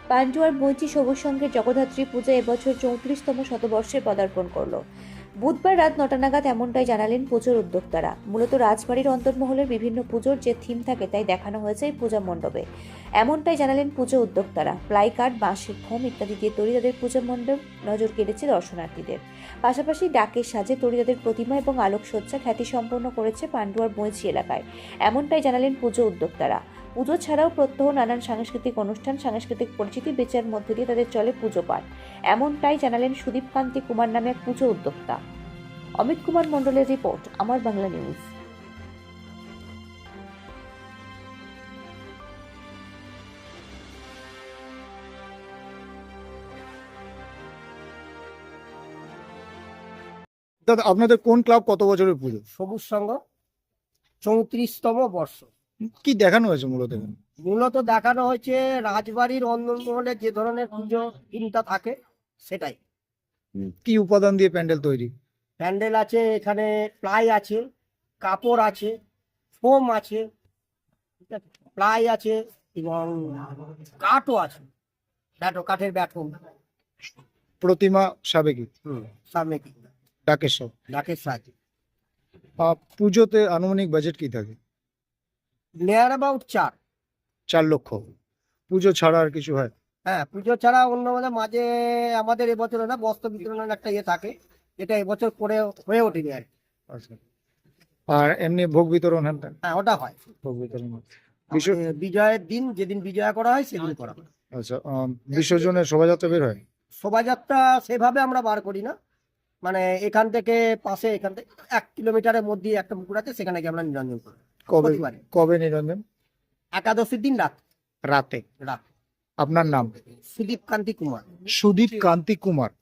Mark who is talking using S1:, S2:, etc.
S1: পান্ডুয়ার বৈচি সবুজ সংঘের জগদ্ধাত্রী পূজা এবছর 34তম শতবর্ষে পদার্পণ করলো। বুধবার রাত 9টা নাগাদ এমনটাই জানালেন পুজোর উদ্যোক্তারা। মূলত রাজবাড়ির অন্তর্মহলের বিভিন্ন পুজোর যে থিম থাকে তাই দেখানো হয়েছে এই পূজা মণ্ডপে। এমনটাই জানালেন পুজো উদ্যোক্তারা। প্লাই কাঠ, বাঁশের খোম ইত্যাদি দিয়ে তৈরি তাদের পূজা মণ্ডপ নজর কেড়েছে দর্শনার্থীদের। পাশাপাশি ডাকের সাজে তৈরি তাদের প্রতিমা এবং আলোকসজ্জা খ্যাতি সম্পন্ন করেছে পান্ডুয়ার বৈচি এলাকায়। এমনটাই জানালেন পুজো উদ্যোক্তারা। পুজো ছাড়াও প্রত্যহ নানান সাংস্কৃতিক অনুষ্ঠান, সাংস্কৃতিক পরিচিতি বেচার মধ্যে দিয়ে তাদের চলে পুজো পাঠ। এমনটাই জানালেন সুদীপ কান্তি কুমার নামে এক পুজো উদ্যোক্তা। অমিত কুমার মণ্ডলের রিপোর্ট, আমার বাংলা নিউজ।
S2: দাদা, আপনাদের কোন ক্লাব কত বছরের পুজো?
S3: সবুজ সংঘ 34তম বর্ষ।
S2: কি দেখানো হয়েছে মূলত এখানে?
S3: মূলত দেখানো হয়েছে রাজবাড়ির অন্দরমহলে যে ধরনের পুজো থিমটা থাকে সেটাই।
S2: কি উপাদান দিয়ে প্যান্ডেল তৈরি?
S3: প্যান্ডেল আছে, এখানে প্লাই আছে, কাপড় আছে, ফোম আছে, ঠিক আছে, প্লাই আছে এবং কাঠও আছে, কাঠের ব্যাটন।
S2: প্রতিমা সাবেকি,
S3: সামনে কি
S2: ডাকেশ্বর।
S3: ডাকের সাহায্যে
S2: পুজোতে আনুমানিক বাজেট কি থাকে?
S3: নিয়ার অ্যাবাউট
S2: 4 লক্ষ। পুজো ছাড়া আর কিছু হয়?
S3: হ্যাঁ, পুজো ছাড়া অন্য মাঝে আমাদের এবছর না বস্ত্র বিতরণের একটা ইয়ে থাকে, এটা এবছর করে হয়ে ওঠেনি আর কি।
S2: আচ্ছা। আর এমনি ভোগ বিতরণ?
S3: হ্যাঁ, ওটা হয়
S2: ভোগ বিতরণ
S3: বিজয়ের দিন, যেদিন বিজয়া করা হয় সেদিন করা হয়।
S2: আচ্ছা। বিসর্জনের শোভাযাত্রা বের হয়?
S3: শোভাযাত্রা সেভাবে আমরা বার করি না, মানে এখান থেকে পাশে, এখান থেকে 1 কিলোমিটারের মধ্যে একটা পুকুর আছে, সেখানে গিয়ে আমরা নিরঞ্জন করি।
S2: কবে
S3: প্রতিবারে।
S2: কবে নিরঞ্জন?
S3: একাদশীর দিন
S2: রাতে।
S3: রাত।
S2: আপনার নাম?
S3: সুদীপ কান্তি কুমার।
S2: সুদীপ কান্তি কুমার।